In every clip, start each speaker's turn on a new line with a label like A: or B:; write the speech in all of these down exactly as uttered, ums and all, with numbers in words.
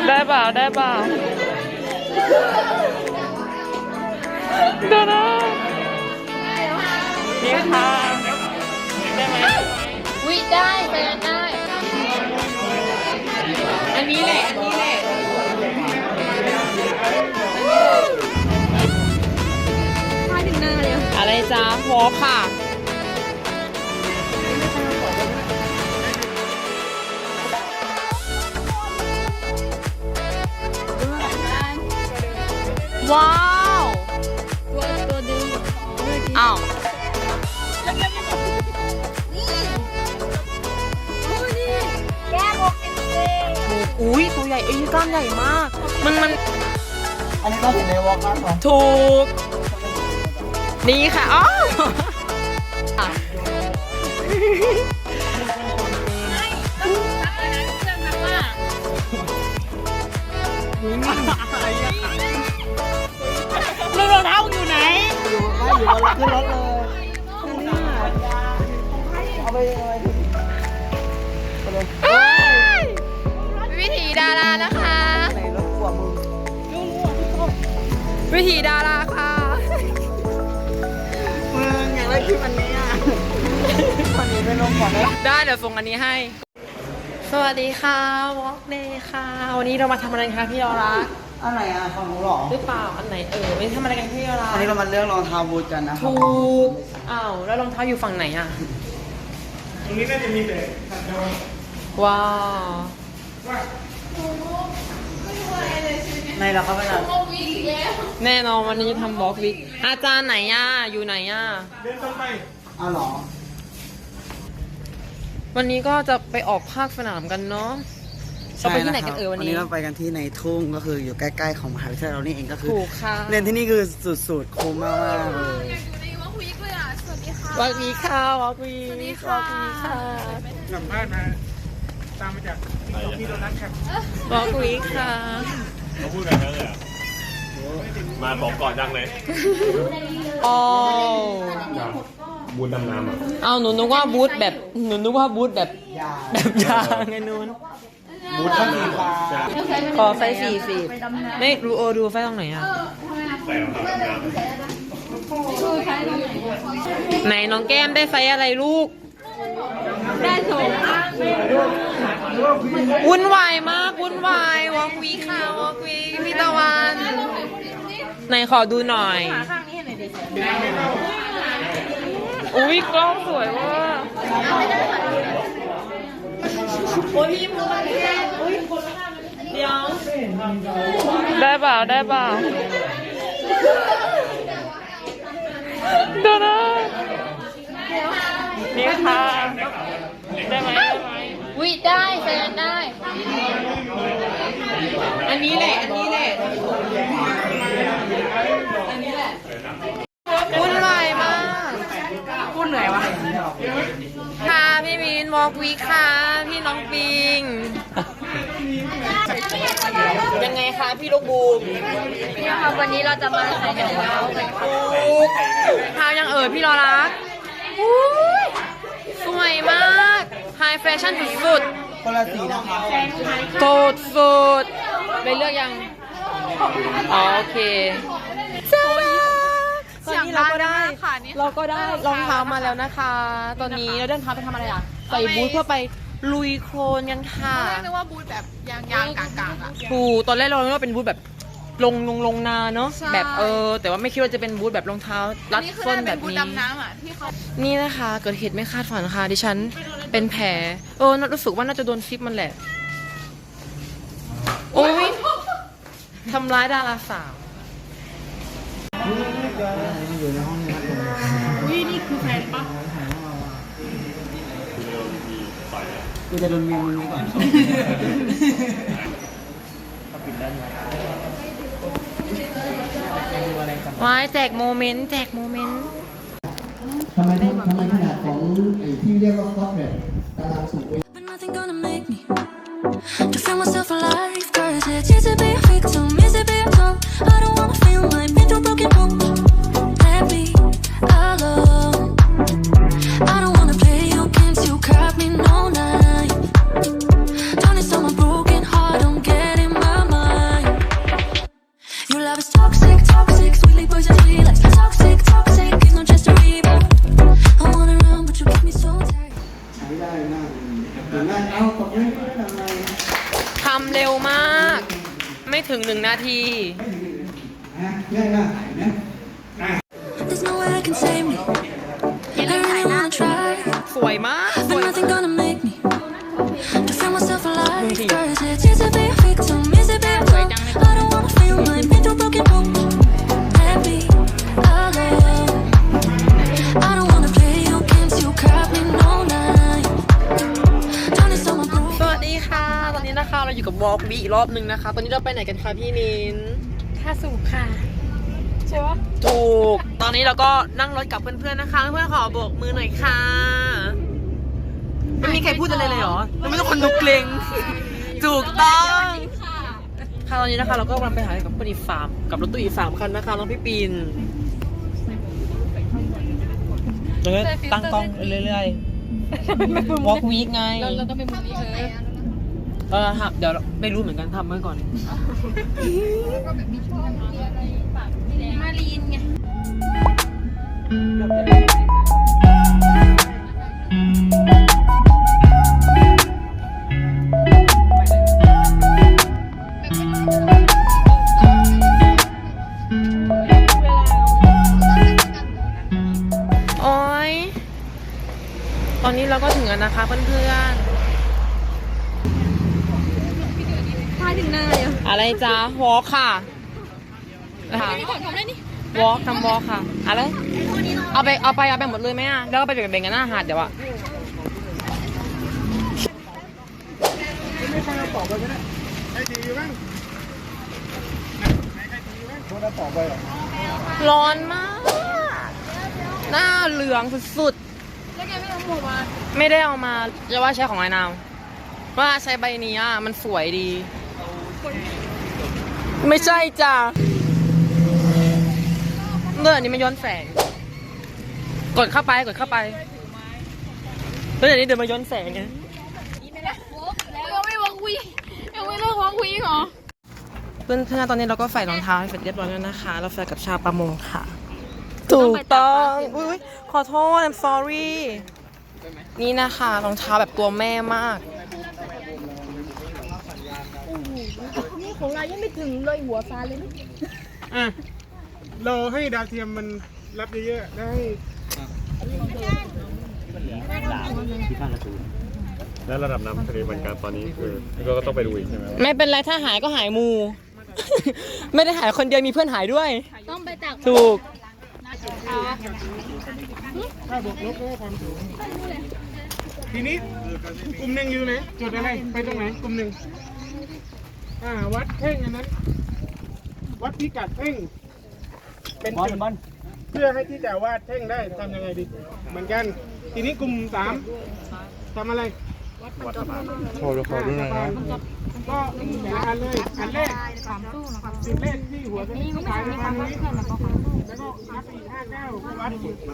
A: ได้เปล่าได้เปล่าเดี๋ยวนะนี่ค่ะได้ไหมวิได้ไปกันได้อันนี้แหละอันนี้แหละมาถึงหน้าเลยอะไรจ้าพอค่ะว้าวตัวตัวดึงอ้าว
B: แก้หกสิบสี่
A: อุ้ยตัวใหญ่ไอ้กล้ามใหญ่มากมันมัน
C: อันนี้ก็อยู่ในวอล์กอัพของ
A: ถูกนี่ค่ะอ๋อลูกรองเท้าอยู่ไหน
C: อยู่ไม่อยู่บนรถขึ้นรถเลยเอาไปเอาไป
A: วิถีดารานะคะ
C: ในรถกลัวมึง
A: วิถีดาราค่ะ
C: มึงอยากได้คลิปอันนี้อ่ะวันนี้ไปลงก่อนนะ
A: ได้เดี๋ยวส่งอันนี้ให้สวัสดีค่ะวอล์กเดย์ค่ะวันนี้เรามาทำอะไรคะพี่ยอรัก
C: อันไหนอ่ะของหนูหรอ
A: หรือเปล่าอันไหนเออไม่ทำอะไรกันพี่ยอรัก
C: อันนี้เรามาเลือกรองเท้าบูทกันนะครับ
A: ถูกอ้าวแล้วรองเท้าอยู่ฝั่งไหนอ่ะ
D: ตรงนี้น่าจะมีแต่
A: ว้าว
C: ในเราเข้าไปหน่อย
A: แน่นอนวันนี้จะทำบล็อกวิกอาจารย์ไหนอ่ะอยู่ไหนอ่ะ
D: เดินตรงไป
C: อ้าวหรอ
A: วันนี้ก็จะไปออกภาคสนามกันเนาะเราไปที่ไหนกันเออวันนี้
C: วันนี้เราไปกันที่ในทุ่งก็คืออยู่ใกล้ๆของมหาวิทยาลัยเรานี่เองก็คือ
A: ถูกค่ะ
C: เรียนที่นี่คือสุดๆคุ้มมากๆเลย
B: วอล์กวีคเลยอ่ะสวัสดีค่ะ
A: วอล์กวีค่ะวอล์กวีวอล์กวีค่ะ
D: สัมภาษณ์มาตามมาจากที่โดนัทครับ
A: วอล์กวีค่ะ
E: เขาพูดกันแล้วเลยอ่ะมาบอกก่อนดังเลย
A: โอ้
E: บูธดำน้ำอ่ะ
A: เอาหนูนึกว่าบูธแบบหนูนึกว่าบูธแบบแบบยางไงนู้น
C: บูทข้างสีฟ้า
A: ขอไฟสี่สิบไม่รู้โอดูไฟตรงไหนอ่ะ
E: ใส่รองเท้าดำน้ำ
A: ไหนน้องแก้มได้ไฟอะไรลูกได้โถวุ่นวายมากวุ่นวายวอล์กวีค่ะวอล์กวีพี่ตะวันไหนขอดูหน่อยอุ้ยกล้องสวยว่ะโอ้ยพี่มือมันแค่อุ้ยเดี๋ยวได้เปล่าได้เปล่าเดี๋ยวนะนี่ค่ะได้ไหมได้ไหมวิได้แฟนได้อันนี้แหละอันนี้แหละอันนี้แหละวุ่นวายมากวุ่นเหนื่อยวะค่ะพี่มินวอล์กวีค่ะพี่น้องปิงยังไงคะพี่ลูกบูม
B: เนี่ยค่ะวันนี้เราจะมาใส่กระเป๋ากันค่ะ
A: เท้ายังเอ่ยพี่รอรักสวยมากไฮแฟชั่นสุดๆ
C: คนละสีนะครับ
A: โสดสุดไปเลือกยังอ๋อโอเคจ้าตอนนี้เราก็ได้เราก็ได้รองเท้ามาแล้วนะคะ ตอนนี้เราเดินเท้าไปทำอะไรอ่ะใส่บูทเพื่อไปลุยโคลนกันค่ะ
B: นึกว่าบูธแบบยางยางกากๆอ่ะ
A: ถูกตอนแรกเราคิดว่าเป็นบูทแบบลงลงลงนาเนาะแบบเออแต่ว่าไม่คิดว่าจะเป็นบูทแบบรองเท้ารัดส้นแบบนี้นี่นะคะเกิดเหตุไม่คาดฝันค่ะดิฉันเป็นแผลเออรู้สึกว่าน่าจะโดนซิปมันแหละโอ้ยทำร้ายดาราสาว
C: อยู่ในห้องนี้ครับ
A: นี่นี่คือแฟนปะ
C: กูจะโดนเมียมึงนี้ก่อน
A: ว้ายแจกโมเมนต์แจกโมเมนต์
C: ทำไมทำไมขนาดของไอ้ที่เรียกว่าคอสแบบตารางสูง
F: To feel myself alive, cause it's easy to be a victim, easy to be a top. I don't wanna feel like been through broken homes. Let me alone. I don't wanna play your games, you got me no night. Don't need someone broken heart, don't get in my
A: ำเร็วมาก ไม่ถึงหนึ่งนาที
C: นะง่ายมากเห็นไหม
F: There's no way I can save me. I really wanna try,
A: สวยมากส
F: but
A: วย
F: nothing gonna make me to feel myself alive. Cause it's easy to be a victim, easy to be a top. I don't wanna feel like been through broken homes. Let me alone. I don't wanna play your games, you got me no night. Trying to sell my bro.
A: สวัสดีค่ะ ตอนนี้นะคะเราอยู่กับวอล์กบีอีกรอบหนึ่งนะคะ ตอนนี้เราไปไหนกันคะพี่มิน
B: ท่าสูบค่ะ ใช่ปะ
A: ถูก ตอนนี้เราก็นั่งรถกับเพื่อนๆนะคะ เพื่อนๆขอโบกมือหน่อยค่ะ ไม่มีใครพูดอะไรเลยเหรอเราไม่ต้องคนดูเกรงถูกต้องค่ะตอนนี้นะคะเราก็กำลังไปหากับปรีฟาร์มกับรถตู้อีกสามคันนะคะน้องพี่ปีนเราก็ตั้งกล้องเรื่อยๆ walk week ไง
B: เราต้องเป็นมุมนี้เออ
A: เออฮะเดี๋ยวไม่รู้เหมือนกันทำไว้ก่อน
B: มารีนไง
A: โอ๊ย ตอนนี้เราก็ถึงแล้วนะคะเพื่อนๆ
B: พายถึงหน้าเลย
A: อะไรจ๊ะ วอล์กค่ะค่ะ
B: ก่อนทำได้นี่
A: วอล์กทำวอล์กค่ะ อะไร เอาไปเอาไปเอาไปหมดเลยไหมอ่ะ แล้วก็ไปแบ่งๆกันหน้าหาดเดี๋ยวอะร้อนมาก หน้าเหลืองสุด
B: แล้วแกไม่เอาหมวกมา
A: ๆ ไม่ได้เอามาจะว่าใช้ของไอ้นาวว่าใช้ใบนี้อ่ะ มันสวยดี ไม่ใช่จ้ะเรื่องอันนี้มันย้อนแสง กดเข้าไปกดเข้าไปแล้วเดี๋ยวนี้เดินมาย้อนแสงไง
B: แล้วไม่วางคุยยังไม่เลิกวางคุยเหรอ
A: เพื่อนๆตอนนี้เราก็ใส่รองเท้าให้เสร็จเรียบร้อยแล้วนะคะ เราใส่กับชาวประมงค่ะ ถูกต้องอุ้ยขอโทษ I'm sorry นี่นะคะรองเท้าแบบตัวแม่มาก
B: นี่ของเรายังไม่ถึงเลยหัวฟ้าเลยนะ
D: อ่ะรอให้ดาวเทียมมันรับเยอะๆได้
E: แล้วระดับน้ำทะเลบรรการตอนนี้คือก็ต้องไปดูอีกใช่ไหม
A: ไม่เป็นไรถ้าหายก็หายมู ไม่ได้หายคนเดียวมีเพื่อนหายด้วย
B: ต้องไปตัก
A: ถูก
D: ถ้าบวกลบก็ความสูงทีนี้กลุ่มหนึ่งอยู่ไหนจุดอะไรไปตรงไหนกลุ่มหนึ่งอ่าวัดเพ่งอันนั้น วัดพิกัดเพ่งเป็นจุดเพื่อให้ที่จะวาดเพ่งได้ทำยังไงดีเหมือนกันทีนี้กลุ่มสามทำอะไรโชว์ดูขอดูหน่อยนะก็แต่ละอันเลยอันแรกจุดแรกที่หัวจะนี่สายในทางนี้แล้วก็นับอีกห้าเก้าก็วัด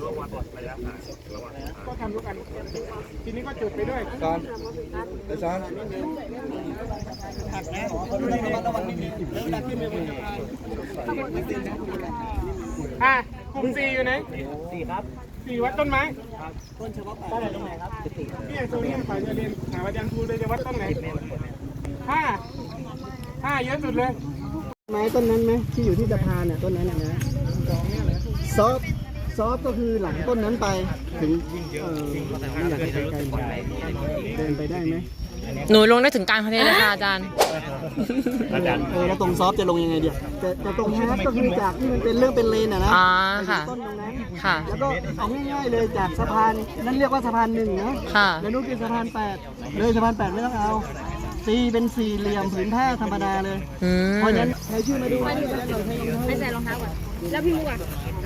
D: ก็ทำทุกอันทีนี้ก็จุดไปด้วยตอนไปซ้อนอ่ะกลุ่มสี่อยู่ไหนสี่ครับสี่วัดต้นไม้ต้นเฉพาะต้นไหนตรงไหนครับพี่โซนี่ฝ่ายเรียนหาอาจารย์ครูเลยจะวัดต้นไหนห้าห้าเยอะสุดเลยไม้ต้นนั้นไหมที่อยู่ที่สะพานเนี่ยต้นนั้นนะซอฟซอฟก็คือหลังต้นนั้นไปถึงเอ่อไม่อยากให้ไกลๆเดินไปได้ไหม
A: หนูลงได้ถึงกลางทะเลเลยค่ะอาจารย์
E: อาจารย์
C: เออแล้วตรงซอฟจะลงยังไงเดียวแต่แต่ตรงฮาร์ดก็คือจากที่มันเป็นเรื่องเป็นเลนอะนะ
A: อ่าค่ะ
C: ต้นตรงนั้น
A: ค่ะ
C: แล้วก็เอาง่ายๆเลยจากสะพานนั่นเรียกว่าสะพานหนึ่งนะ
A: ค่ะ
C: แล้วนู่นเป็นสะพานแปดเลยสะพานแปดไม่ต้องเอาตีเป็นสี่เหลี่ยมผืนผ้าธรรมดาเลย
A: อืม
C: เพราะฉะนั้นใครชื่อมาดูว่า
B: ไปใส่รองเท้าก่อนแล้วพี่มุกอ่ะ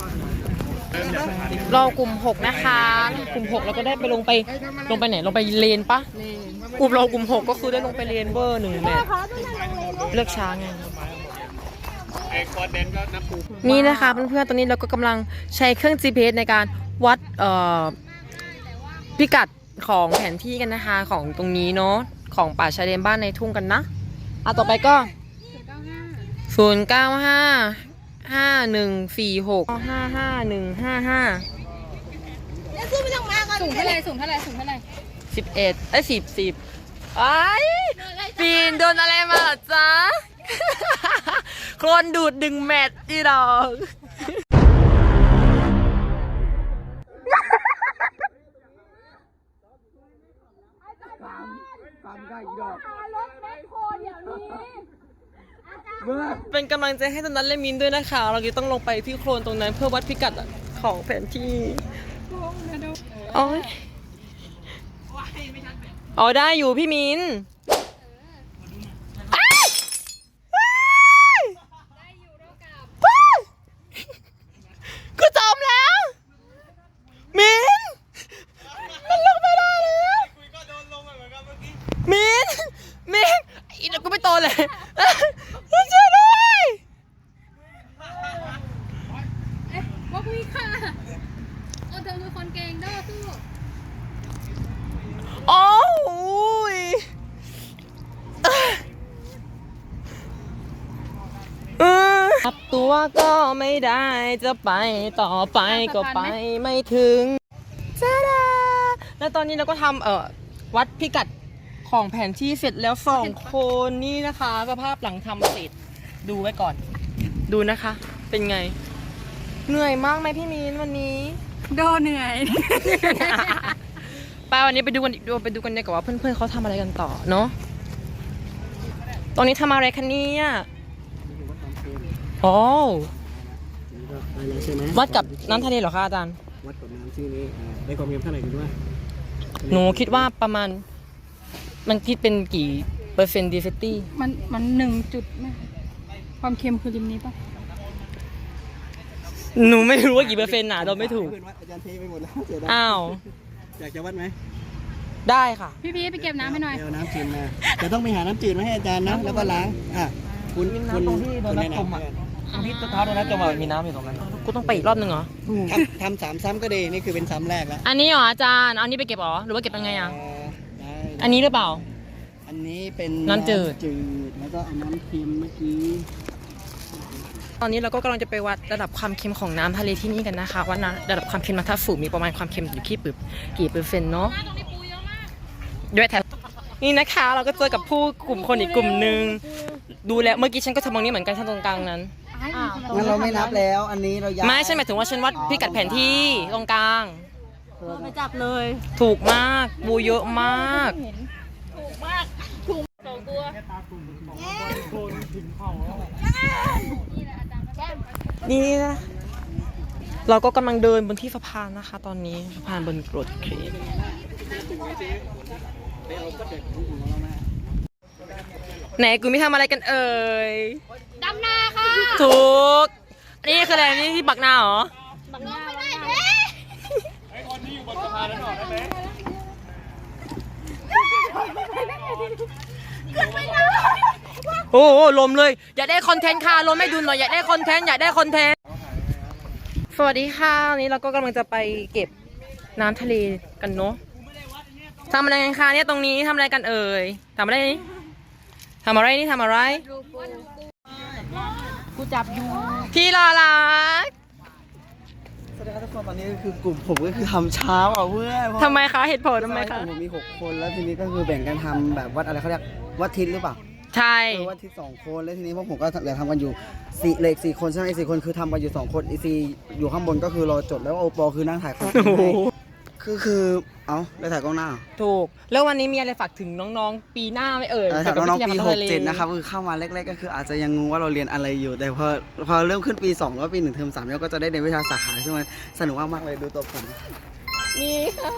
A: เรากลุ่มหกนะคะ กลุ่มหกเราก็ได้ไปลงไปลงไปไหนลงไปเลนปะกลุ่มเรากลุ่มหกก็คือได้ลงไปเลนเวอร์หนึ่งแมตช์เลือกช้าไง
E: ไอ้คอนเดนก็นับปู
A: นี่นะคะเพื่อนๆตอนนี้เราก็กำลังใช้เครื่อง จี พี เอส ในการวัดเอ่อพิกัดของแผนที่กันนะคะของตรงนี้เนาะของป่าชายเลนบ้านในทุ่งกันนะอ่ะต่อไปก็ศูนย์เก้าห้าห้าหนึ่งสี่หกห้าห้าหนึ่งห้าห้า
B: สูงเท่าไรสูงเท่าไรสูงเท่าไร
A: สิบเอ็ดไอ้สิบสิบไอ้ปีนโดนอะไรมาเหรอจ๊ะ โคลนดูดดึงแมทอีดอกเป็นกำลังใจให้ตอนนั้นเลมินด้วยนะคะ เราจะต้องลงไปที่โคลนตรงนั้นเพื่อวัดพิกัดของแผนที่โอ้ยอ๋อได้อยู่พี่มินกูจมแล้วมินมันลงไม่ได้แล้วมินมินอีกแล้วกูไม่โตเลยช่วยด้วย
B: เอ๊ะว่าคุยค่ะโอ้เธอคือคนเก่งเด้อสู้
A: โอ้ยขับตัวก็ไม่ได้จะไปต่อไปก็ไปไม่ถึงจ้าดาแล้วตอนนี้เราก็ทำเอ่อวัดพิกัดของแผนที่เสร็จแล้วสองคนนี่นะคะสภาพหลังทำเสร็จดูไว้ก่อน ดูนะคะ เป็นไง เหนื่อยมากไหมพี่มีนวันนี้
B: โดเหนื่อย
A: ป้าวันนี้ไปดูกันดูไปดูกันดีกว่าว่าเพื่อนๆเขาทำอะไรกันต่อเนาะตอนนี้ทำอะไรคะเนี่ยโอ้
C: ได้แล้วใช่ไหม
A: วัดกับน้ำทะเลเหรอคะอาจารย์
C: วัดกับน้ำที่นี้อ่าได้ความเค็มเท่าไหร่กันด้วย
A: หนูคิดว่าประมาณมันคิดเป็นกี่เปอร์เซ็นต์ดีเฟตตี้
B: มันมันหนึ่งจุดไหมความเค็มคือริมนี้ปะ
A: หนูไม่รู้ว่ากี่เปอร์เซ็นต์น่ะเราไม่ถูก
C: เพื่อนวัดอาจารย์เทไปหมดแล้วเสียดาย
A: อ้าว
C: อยากจะวัดไหม
A: ได้ค่ะ
B: พี่พีไปเก็บน้ำให้หน่อย
C: เอาน้ำจืดมาจะต้องไปหาน้ำจืดมาให้อาจารย์นะแล้วก็ล้างอ่ะคุณคุณตรงที่โดนน้ำจมอ่ะ
A: ที่เท้าโดนน้ำจมมีน้ำอยู่ตรงนั้นกูต้องไปอีกรอบนึงเหรอ
C: ทำทำสามซ้ำก็ดีนี่คือเป็นซ้ำแรกแล้ว
A: อันนี้เหรออาจารย์เอาอันนี้ไปเก็บเหรอหรือว่าเก็บยังไงอ่ะ
C: เอ่อได้
A: อันนี้หรือเปล่า
C: อันนี้เป็น
A: น้ำจืด
C: จืดแล้วก็เอาน้ำเค็มเมื่อกี้
A: ตอนนี้เราก็กำลังจะไปวัดระดับความเค็มของน้ำทะเลที่นี่กันนะคะว่านะระดับความเค็มน้ำท่าฝูงมีประมาณความเค็มอยู่ที่ปึ๊บกี่เปอร์เซ็นต์เนาะด้วยแถวนี่นะคะเราก็เจอกับผู้กลุ่มคนอีกกลุ่มหนึ่งดูแล้วเมื่อกี้ฉันก็ทำตรงนี้เหมือนกันฉันตรงกลางนั้น
C: งั้นเราไม่นับแล้ว อันนี้เราย้าย
A: ไม่ใช่หมายถึงว่าฉันวัดพิกัดแผนที่ตรงกลาง
B: ไปจับเลย
A: ถูกมากบูเยอะมาก นี่นะเราก็กำลังเดินบนที่สะพานนะคะ ตอนนี้สะพานบนโรดเครนไหนกูไม่ทำอะไรกันเอ่ย
B: ดำนาค่ะ
A: ถูกนี่คืออะไรนี่ที่ปักหน้าเหรอ
B: บังหน้าบังหน้า
E: ไอ้คนที่อยู่บนสะพานนั้นออกได้ไหม
A: โอ้โหลมเลยอยากได้คอนเทนต์ค่ะลมไม่ดูหน่อยอยากได้คอนเทนต์อยากได้คอนเทนต์สวัสดีค่ะวันนี้เราก็กำลังจะไปเก็บน้ำทะเลกันเนาะทำอะไรกันคะเนี่ยตรงนี้ทำอะไรกันเอ่ยทำอะไรนี่ทำอะไรนี่ทำอะไรกูจับอยู่พี่รอรัก
C: สวัสดีครับทุกคนตอนนี้ก็คือกลุ่มผมก็คือทำเช้าอ่ะเพื่อน
A: ทำไมคะเหตุผลทำไมคะ
C: ผมมีหกคนแล้วทีนี้ก็คือแบ่งกันทำแบบวัดอะไรเขาเรียกวัดทิศหรือเปล่า
A: ใช่
C: เออวัดทิศสองคนแล้วทีนี้พวกผมก็เหลือทำกันอยู่สี่เหล็กสี่คนใช่ไหมอีกสี่คนคือทำกันอยู่สองคนอีซีอยู่ข้างบนก็คือรอจดแล้วโอปอคือนั่งถ่ายคอนเทนต์ให้คือคือเอ้าได้ถ่ายกล้องหน้า
A: ถูกแล้ววันนี้มีอะไรฝากถึงน้องๆ ปีหน้าไหมเอ่ย
C: เออถ่ายน้องๆปีหกเจ็ดนะครับคือเข้ามาแรกๆก็คืออาจจะยังงงว่าเราเรียนอะไรอยู่ แต่พอพอเริ่มขึ้นปีสองแล้วปีหนึ่งเทอมสามแล้วก็จะได้เรียนวิชาสาขาซึ่งมันสนุกมากๆเลยดูตัวผม
A: นี่ค่ะ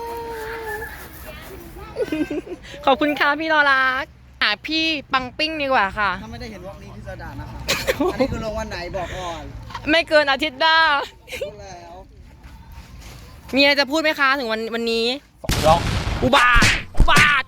A: ขอบคุณค่ะพี่รอรักหาพี่ปังปิ้งดีกว่าค่ะ
C: ถ้าไม่ได้เห็นวอล์กนี้พี่จะด่านะครับอันนี้คือลงวันไหนบอกก่อน
A: ไม่เกินอาทิตย์หน้า
C: พูดแล้ว
A: มีอะไรจะพูดไหมคะถึงวันวันนี้อุบาทอุบาท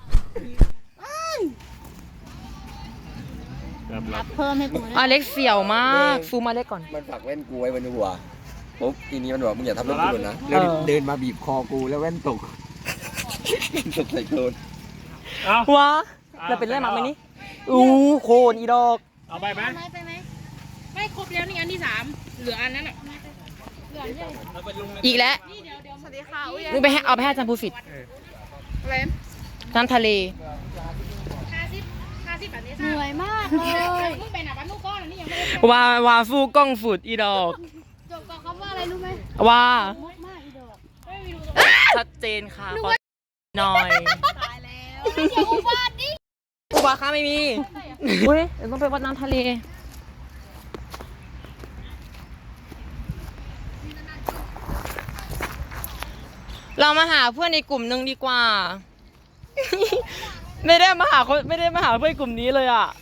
B: เพิ่มให้กู
A: อเล็กเสี่ยวมากฟูมาเล็กก่อน
G: มันฝากแว่นกูไว้บนหัวปุ๊บทีนี้มันบอกมึงอย่าทำรถกูหล่นนะ
A: เออ
G: เดินมาบีบคอกูแล้วแว่นตก ตกใส่โคลน
E: เอา
A: วะเราเป็นเรื่องมาไหมนี่อู้โคนอีดอก
E: เอาไปไหม
B: ไปไปไหมไม่ครบแล้วนี่อันที่สามเหลืออันนั้นอ่ะเหลืออันเดียว
A: อีกแล้ว
B: นี่เดี๋ยวเดี๋ยวสวัสดีค่ะอุ้ย
A: มึงไปให้เอาไปให้อาจารย์ภูฟิต
B: อะไร
A: น้ำทะเล
B: เหนื่อยมากเลยมึงเป็นอ่ะบ้านลูกก้อนนี่ยังไม่ได้
A: ว่าว่าฟูกล้องฝุดอีดอก
B: จบกับคำว่าอะไรรู้ไหม
A: ว่า
B: มุกมากอีดอกไม่มีรู้
A: ชัดเจนค่ะขอหน่อย
B: ตายแล้วอย่าอุบาทดิ
A: อุบาค่ะไม่มีเฮ้ยเดี๋ยวต้องไปวัดน้ำทะเลเรามาหาเพื่อนในกลุ่มหนึ่งดีกว่า ไม่ได้มาหาคนไม่ได้มาหาเพื่อนกลุ่มนี้เลยอ่ะ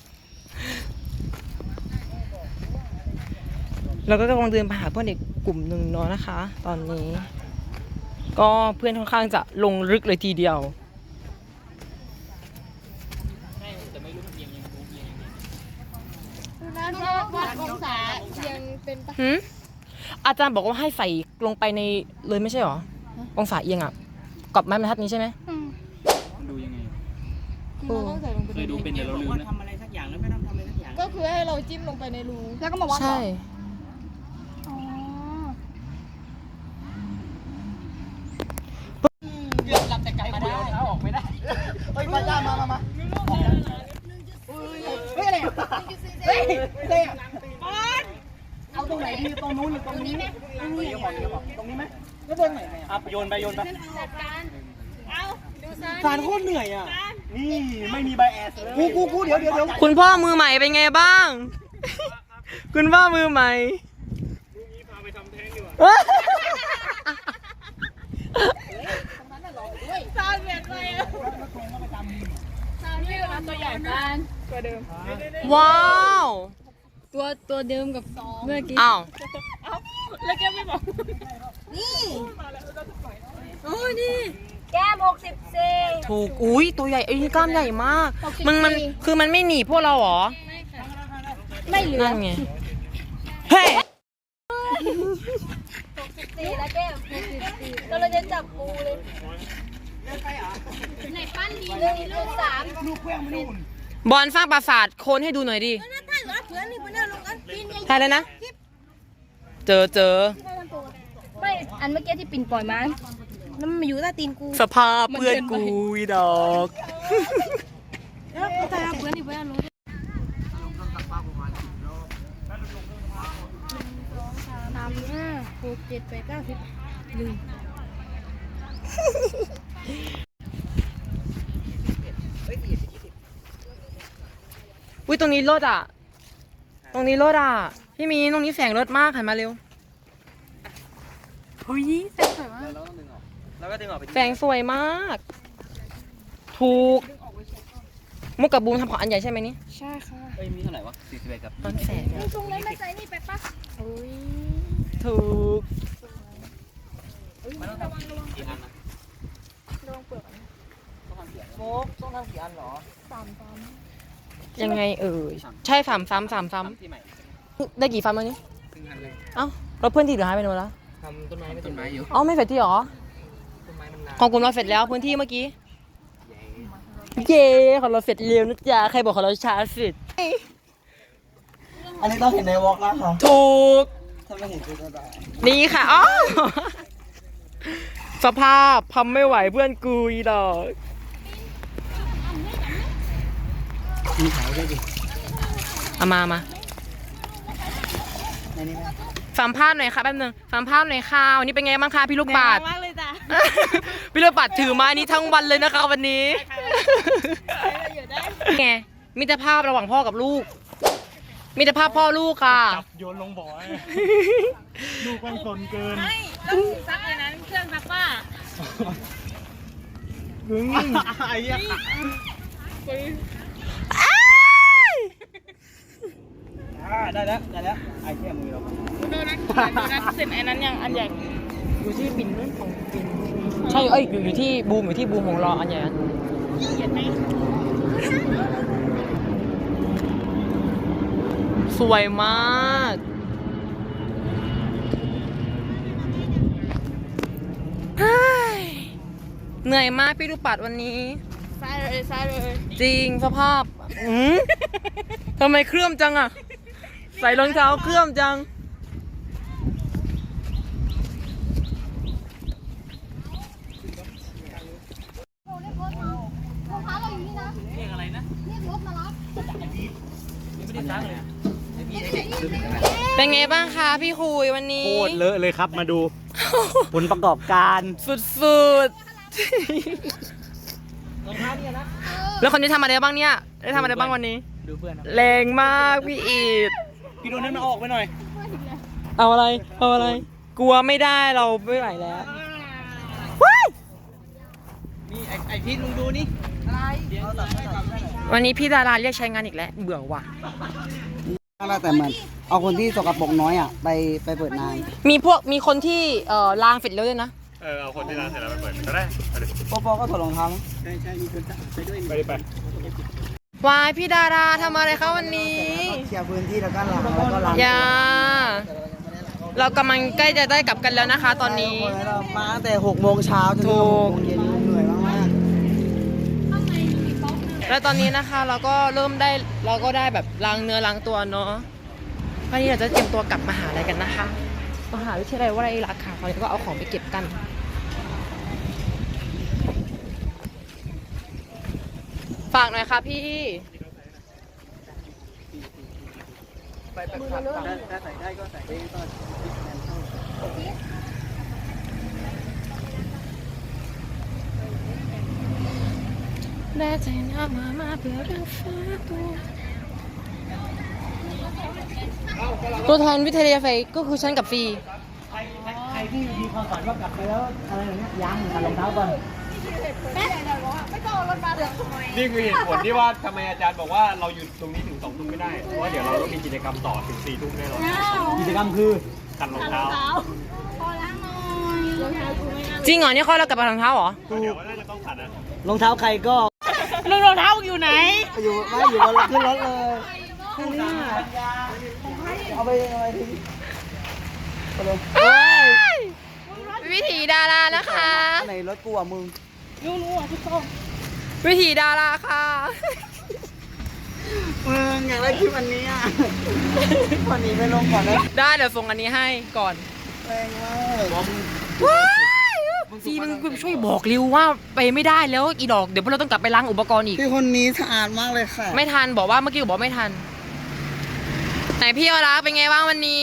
A: เราก็กำลังเดินไปหาเพื่อนอีกกลุ่มหนึ่งเนาะนะคะ ตอนนี้ ก็เพื่อนค่อนข้างจะลงลึกเลยทีเดียว
B: นะวัดองศายังเป็นปะ
A: หืมอาจารย์บอกว่าให้ใส่ลงไปในเลยไม่ใช่หรอ องศาเอียงอ่ะกับไม้บรรทัดนี้ใช่ไหม
G: ดูยังไง
A: โอ้
G: เคยดูเป็นแต่เราลืมนะ
B: ก็คือให้เราจิ้มลงไปในรูแล้วก็มาวัดเหรอ
A: ใช่
B: อ๋อ
C: เฮ้ยมาจ้ามามามาเฮ้ยอะไรอ่ะเฮ้ยอะไรอ่ะเอาตรงไหนดีตรงนู้นหรือตรงนี้ตรงนี้ตรงนี้ไหมแล้วตรงไหนอ่ะโยนไปโยนไปสารโคตรเหนื่อยอ่ะนี่ไม่มีใบแอสกูกูกูเดี๋ยวเดี๋ยวเดี๋ยว
A: คุณพ่อมือใหม่เป็นไงบ้าง คุณพ่อมือใหม่
B: ซาวเวียดเลยอะซาวนี่เราตัวใหญ่กันตัวเดิม
A: ว้าว
B: ตัวตัวเดิมกับเมื่อกี้
A: อ้าว
B: แล้วแกไม่บอกนี่โอ้ยนี่แก้มหกสิบสี่
A: ถูกอุ้ยตัวใหญ่ไอ้นี่กล้ามใหญ่มาก มันมันคือมันไม่หนีพวกเราเหรอ
B: ไม่เหลือ
A: นั่นไง เฮ้ย
B: สี่แล้วแก้มหกสิบสี่เราเราจะจับปูเลยไหนปั้นดีหนึ่งลูกสาม
A: บอลสร้างปราสาทโคนให้ดูหน่อยดิใช่เลยนะ เจอเจอ
B: ไม่อันเมื่อกี้ที่ปิ่นปล่อยมาแล้วมันมาอยู่ใต้ตีนกู
A: สภาพเพื่อนกูอีดอก
B: แล้วแต่เพื่อนอีกเพื่อนรู้สามห้าหกเจ็ดแปดเก้าสิบหนึ่ง
A: อุ้ยตรงนี้รถอ่ะ ตรงนี้รถอ่ะ พี่มีนตรงนี้แสงรถมากหันมาเร็วเฮ้ยแสงสวยมาก
C: แล้วก็ดึงออกไป
A: แสงสวยมาก ถูก มุกกับบูมทำของอันใหญ่ใช่ไหมนี่
B: ใช่ค่ะ
G: เอ้ยมีเท่าไหร่วะสี่สิบเอ็ดครับ
A: ตอนแสงอะ
B: ตรงนั้นไม่ใส่นี่ไปปะโอ้ย
A: ถูก
G: มันต้องทำกี่อันนะ
B: ระวังเปลือก
C: โฟกต้องทำกี่อันหรอ
B: สามสาม
A: ยังไงเอ่ย ใช่สามซ้ำสามซ้
G: ที่ใหม่
A: ำได้กี่ซ้ำแล้วนี่
G: ครึ่งอันเลย
A: เอ้าเราเพื่อนที่เหลือหายไปไหนหมดแล้ว
G: ทำต้นไม้ไม่ต้นไม้อยู่
A: เอ้าไม่เสร็จที่หรอ
G: ต้นไม้มันนาน
A: ของกลุ่มเราเสร็จแล้วพื้นที่เมื่อกี้ เย้ของเราเสร็จเร็วนะจ๊ะใครบอกของเราช้าสุด
C: อันนี้ต้องเห็นในวอล์กแล้วค่ะ
A: ถูก
C: ถ้าไม่เห็นจะได้
A: นี่ค่ะอ๋อสภาพทำไม่ไหวเพื่อนกูอีดอก
C: มีขายด้วยดิ
A: เอามามา
C: ในนี้ไหม
A: สัมภาษณ์หน่อยค่ะแป๊บนึงสัมภาษณ์หน่อยค่ะวันนี้เป็นไงบ้างคะพี่ลูกบาศก์
B: มากเลยจ้ะ
A: พี่ลูกบาศก์ถือไม้นี้ทั้งวันเลยนะคะวันนี้ไงมิตรภาพระหว่างพ่อกับลูก มิตรภาพพ่อลูกค่ะ
D: จับโยนลงบ่อให้ลูกมันสนเกิน
B: ต้องซักในนั้นเครื่องซักผ้า
D: หึงไอ้เหี้ย
C: อ่าได้แล้วได้แล้วไอ้แค่มือเรา
B: โดนัทโดนัทเสร็จไอ้นั้นยังอันใหญ่
A: อยู่ที่บินนู่นของบินใช่เอ้ยอยู่อยู่ที่บูมอยู่ที่บูมของรออันใหญ่อันสวยมากเฮ้ยเหนื่อยมากพี่ลูกปัดวันนี้
B: ซ้ายเลยซ้ายเลย
A: จริงสภาพอืมทำไมเครื่อมจังอะใส่รองเท้าเครื่อมจัง
B: รองเท้าเราอยู่นี่นะ
G: เรียกอะไรนะ
B: เรียกรถมารับ
A: เป็นไงบ้างคะพี่คุยวันนี้
D: โคตรเลอะเลยครับมาดู ผลประกอบการ
A: สุดๆ แล้วคนนี้ทำอะไรบ้างเนี่ย ได้ทำอะไรบ้างวันนี้
D: ดูเพื่อน
A: แรงมากพี่อีด
D: พี่โดนนั้นมาออกไปหน่อย
A: เอาอะไร เอาอะไร กลัวไม่ได้เราไม่ไหวแล้ว
D: นี่ไอไอพี่ลุงดูนี่
A: วันนี้พี่ดาราเรียกใช้งานอีกแล้ว เบื่อว่ะ
C: อะไรแต่มันเอาคนที่สกปรกน้อยอ่ะไปไปเปิดนาน
A: มีพวกมีคนที่เอ่อล้างเสร็จแล้วด้วยนะ
E: เออ เอาคนที่ร้านเสร็จแล้วไปเปิดก็ได้ไปดิ
C: ปอปอก็ถอดรองเท้า
D: ใช่ใช่มีคนไปด้วย
E: ไปดิไป
A: วายพี่ดาราทำอะไรคะวันนี้
C: เคลียร์พื้นที่แล้วก็ล้างแล้วก็ล้าง
A: อย่า เรากำลังใกล้จะได้กลับกันแล้วนะคะ ตอนนี้
C: เรามาตั้งแต่หกโมงเช้าจนถึงหกโมงเย็นเหนื่อยมาก
A: แล้วตอนนี้นะคะเราก็เริ่มได้เราก็ได้แบบล้างเนื้อล้างตัวเนาะวันนี้เราจะเตรียมตัวกลับมหาลัยกันนะคะมหาวิทยาลัยวลัยลักษณ์ค่ะตอนนี้ก็เอาของไปเก็บกัน ฝากหน่อยค่ะพี่
C: ไปแบบขัดถ้าใส่ได้ก็ใส่ได้ก็
A: แม่ใจน้ำมามาเพื่อเรื่องฟ้าตัวตัวแทนวิทยาไฟก็คือฉันกับฟี
C: ใครที่มีความฝันว่ากลับไปแล้วอะไรอย่างเงี้ยยังขัดรองเท้าก่อน
E: นี่คือเหตุผลที่ว่าทำไมอาจารย์บอกว่าเราหยุดตรงนี้ถึงสองทุ่มไม่ได้ เพราะว่าเดี๋ยวเราต้องมีกิจกรรมต่อถึงสี่ทุ่มแน่นอน
C: กิจกรรมคือ
E: ขัดรองเท้า
A: จริงเหรอเนี่ยเขาเรากลับไปรองเท้าเหรอ
E: เดี๋ยวน่าจะต้องขัดนะ
C: รองเท้าใครก็
A: รองเท้าอยู่ไหน
C: อยู่ไม่อยู่บนรถขึ้นรถเลยเอาไปเอาไปทิ้งไปเลย
A: วิถีดารานะคะ
C: อันไหนรถกูอ่ะมึง
A: วิถีดาราค่ะ
C: มึงอยากได้คลิปอันนี้อ่ะวันนี้ไปลงก่อนนะ
A: ได้เดี๋ยวส่งอันนี้ให้ก่อน
C: แรงมาก
A: ว้ายฟีมึงช่วยบอกริวว่าไปไม่ได้แล้วอีดอกเดี๋ยวพวกเราต้องกลับไปล้างอุปกรณ์อีก
C: พี่คนนี้สะอาดมากเลยค่ะ
A: ไม่ทันบอกว่าเมื่อกี้บอกไม่ทัน ไหนพี่อรักเป็นไงบ้างวันนี้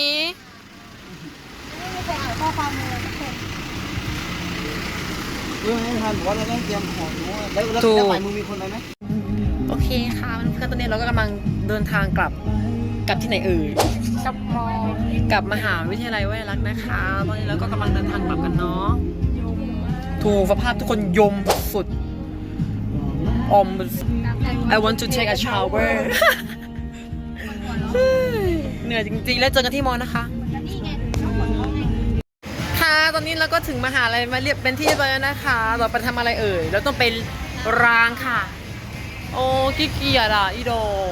C: เรื่องไม่ทันบอกว่าเราต้องเตรียมของด้วยแล้วแล้ว
A: ถูก
C: แล้วใหม่มึงมีคนไปไหม
A: โอเคค่ะเพื่อนๆตอนนี้เราก็กำลังเดินทางกลับกลับที่ไหนเอ่ยกลับมอกลับมหาวิทยาลัยวลัยลักษณ์นะคะตอนนี้เราก็กำลังเดินทางกลับกันเนาะถูกสภาพทุกคนยมสุดอม I want to take a shower เหนื่อยจริงๆแล้วเจอกันที่มอนะคะค่ะตอนนี้เราก็ถึงมหาลัยมาเรียบเป็นที่เรียบร้อยแล้วนะคะต่อไปทำอะไรเอ่ยเราต้องไปร้างค่ะโอ้ขี้เกียจอ่ะอีโด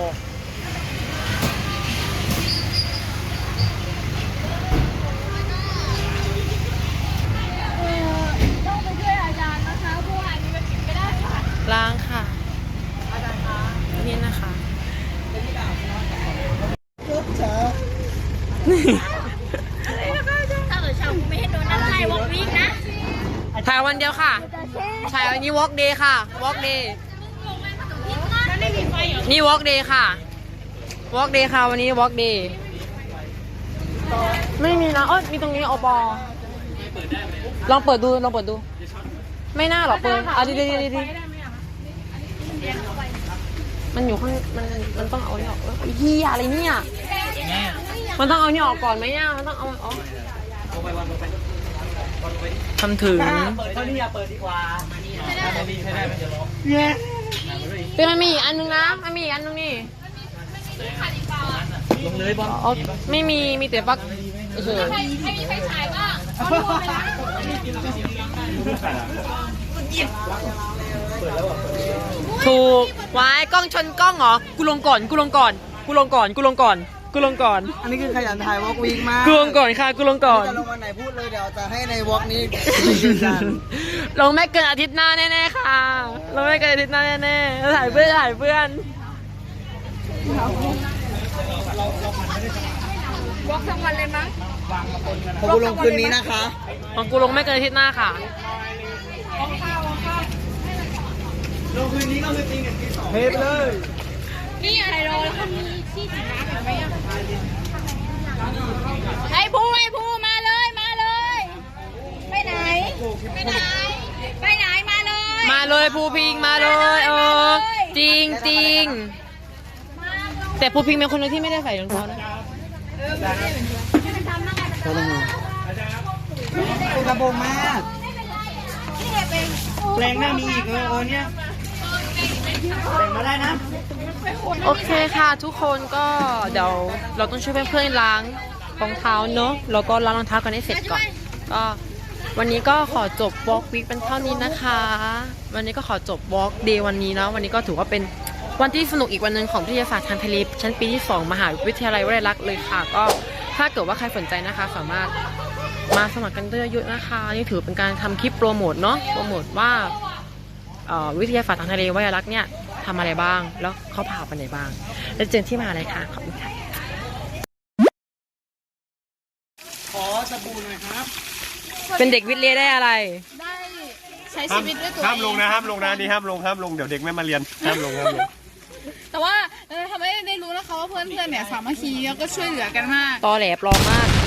B: ต้องไปช่วยอาจารย์นะคะเพราะว่าอันนี้มันกินไม่ได้ค่ะ
A: ล้างค่ะนี่นะคะ
B: ถ้าเกิดชาวกูไม่ให้โดนนั่นไล่วอล์กวิ่งนะ
A: ถ่ายวันเดียวค่ะถ่ายวันนี้ walk day ค่ะ walk day
B: มันไม่มีไฟเหรอ
A: นี่ walk day ค่ะ walk day ค่ะวันนี้ walk day ไม่มีนะเอ้ยมีตรงนี้อปอลองเปิดดูลองเปิดดู ไม่น่าหรอกเปิดอ่ะดีดีดีดีมันอยู่ข้างมันมันต้องเอาเนี่ยออกเอ้ยเฮียอะไรเนี่ยมันต้องเอาเนี่ยออกก่อนไหมเนี่ยมันต้องเอาออกทำถึง
C: เปิดเท่านี้อย่าเปิดดีกว่า
A: เป็นมันมีอีกอันนึงนะมันมีอีกอันนึงนี่
C: ลงเลยบอล
A: อ๋อไม่มีมีแต่ปลั๊กเฉย
B: ใครใครมีไฟฉายบ้างเอาดูไปนะ
A: ถูกไว้กล้องชนกล้องเหรอกูลงก่อนกูลงก่อนกูลงก่อนกูลงก่อนกูลงก่อน
C: อันนี้คือขยันถ่ายวอล์กวีคมาก
A: กูลงก่อนค่ะกูลงก่อน
C: จะลงวันไหนพูดเลยเดี๋ยวจะให้ในวอล์กนี้ยืนยัน
A: ลงไม่เกินอาทิตย์หน้าแน่ๆค่ะลงไม่เกินอาทิตย์หน้าแน่ๆแล้วถ่ายเพื่อนถ่ายเพื่อน
B: วอล์กทั้งวันเลยมั้ง
C: ผมกูลงคืนนี้นะคะ
A: ของกูลงไม่เกินอาทิตย์หน้าค่ะ
C: ลงคืนนี้ก็คือจริงกับที่สองเทปเลย
B: นี่อะไรรอแล้วก็มีที่
A: ริงๆ แต่ปูพิงเป็นคนเดียวที่ไม่ได้ใส่รองเท้านะ
C: ก็ต้องมีเป็นกระโปรงมากแรงหน้ามีอีกเออเออเนี่ยแบ่งมาได้นะ
A: โอเคค่ะทุกคนก็เดี๋ยวเราต้องช่วยเพื่อนๆล้างรองเท้าเนอะแล้วก็ล้างรองเท้ากันให้เสร็จก่อนก็วันนี้ก็ขอจบ Walk Week เป็นเท่านี้นะคะ วันนี้ก็ขอจบ Walk Day วันนี้นะวันนี้ก็ถือว่าเป็นวันที่สนุกอีกวันหนึ่งของวิทยาศาสตร์ทางทะเลชั้นปีที่สองมหาวิทยาลัยวลัยลักษณ์เลยค่ะก็ถ้าเกิดว่าใครสนใจนะคะสามารถมาสมัครกันเยอะๆนะคะนี่ถือเป็นการทำคลิปโปรโมทเนาะโปรโมทว่าวิทยาศาสตร์ทางทะเลวลัยลักษณ์เนี่ยทำอะไรบ้างแล้วเขาพาไปไหนบ้างแล้วเจอที่มหาลัยค่ะขอบคุณค่ะ
D: ขอสบู่หน่อยครับ
A: เป็นเด็กวิทย์เรียนได้อะไร
B: ได้ใช้ชีวิตด้วยตัวเอง
E: ห้ามลงนะห้ามลงนะนี่ห้ามลงห้ามลงเดี๋ยวเด็กไม่มาเรียนห้ามลงห้ามลง
B: แต่ว่าเออทำให้ได้รู้นะคะว่าเพื่อนๆเนี่ยสามัคคีแล้วก็ช่วยเหลือกันมาก
A: ตอแหลปลอมมาก